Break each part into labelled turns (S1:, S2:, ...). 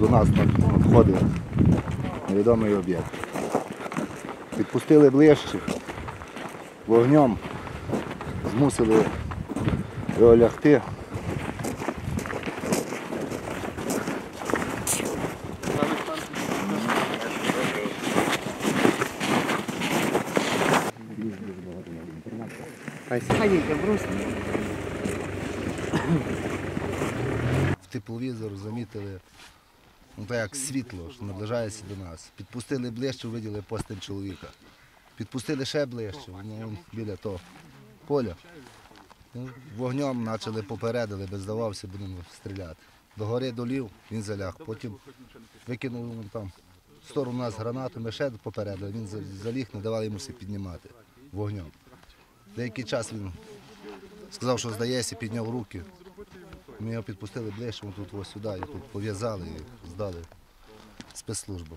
S1: нас надходив невідомий об'єкт. Підпустили ближче, вогнем, змусили його лягти. В тепловізор замітили, так як світло, що наближається до нас. Підпустили ближче, виділи постать чоловіка. Підпустили ще ближче, біля того поля. Вогнем почали попередили, без здавався, будемо стріляти. До гори долів, він заляг, потім викинув там в сторону нас гранату, ми ще попередили, він заліг, не давали йому все піднімати вогнем. Деякий час він сказав, що здається, підняв руки. Ми його підпустили ближче, тут ось сюди, і тут пов'язали і здали спецслужбам.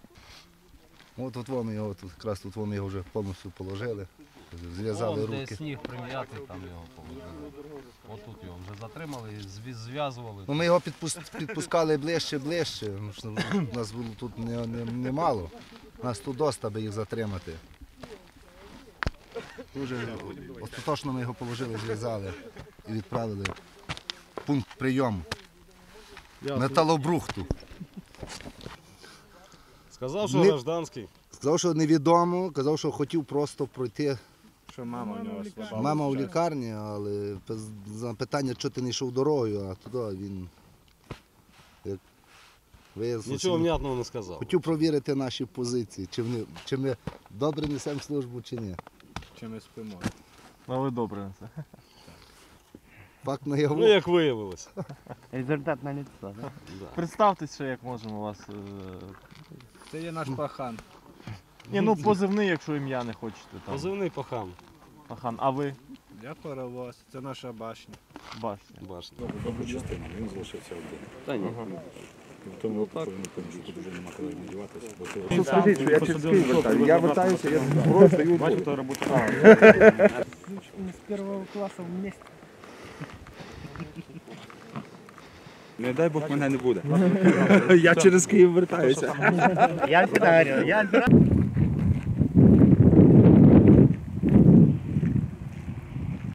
S1: От ми його, якраз тут ми його вже повністю положили, зв'язали руки.
S2: Де сніг прим'ятий, там його положили. Отут його вже затримали, зв'язували.
S1: Ми його підпускали ближче. Нас було тут немало, нас тут доста, аби їх затримати. Дуже остаточно ми його положили, зв'язали і відправили в пункт прийому металобрухту.
S3: Сказав, що гражданський.
S1: Сказав, що невідомо, казав, що хотів просто пройти.
S3: Що мама у нього слаба.
S1: Мама у лікарні, але за питання, що ти не йшов дорогою, а туди він
S3: нічого внятного не сказав.
S1: Хотів провірити наші позиції, чи ми добре несемо службу, чи ні.
S3: Чи ми спимо.
S4: Але добре несе.
S1: Факт наяву.
S3: Ну, як виявилось.
S5: Результат на лицо, так?
S3: Да.
S4: Представтесь, що як можемо вас.
S5: Це є наш пахан.
S4: Ні, ну позивний, якщо ім'я не хочете. Там.
S3: Позивний пахан.
S4: Пахан, а ви?
S5: Я паровоз, це наша башня.
S4: Башня.
S3: Башня.
S6: Добру частину, він залишився один.
S3: Та ні.
S6: В тому випадку він поміж, тут вже нема коли надіватися, бо ти
S7: Скажіть, що я через Київ вертаю. Я вертаюся, я зброю стою в бой.
S5: Ми з першого класу вместе.
S7: Не дай Бог мене не буде. Я через Київ вертаюся.
S5: Я всегда говорил,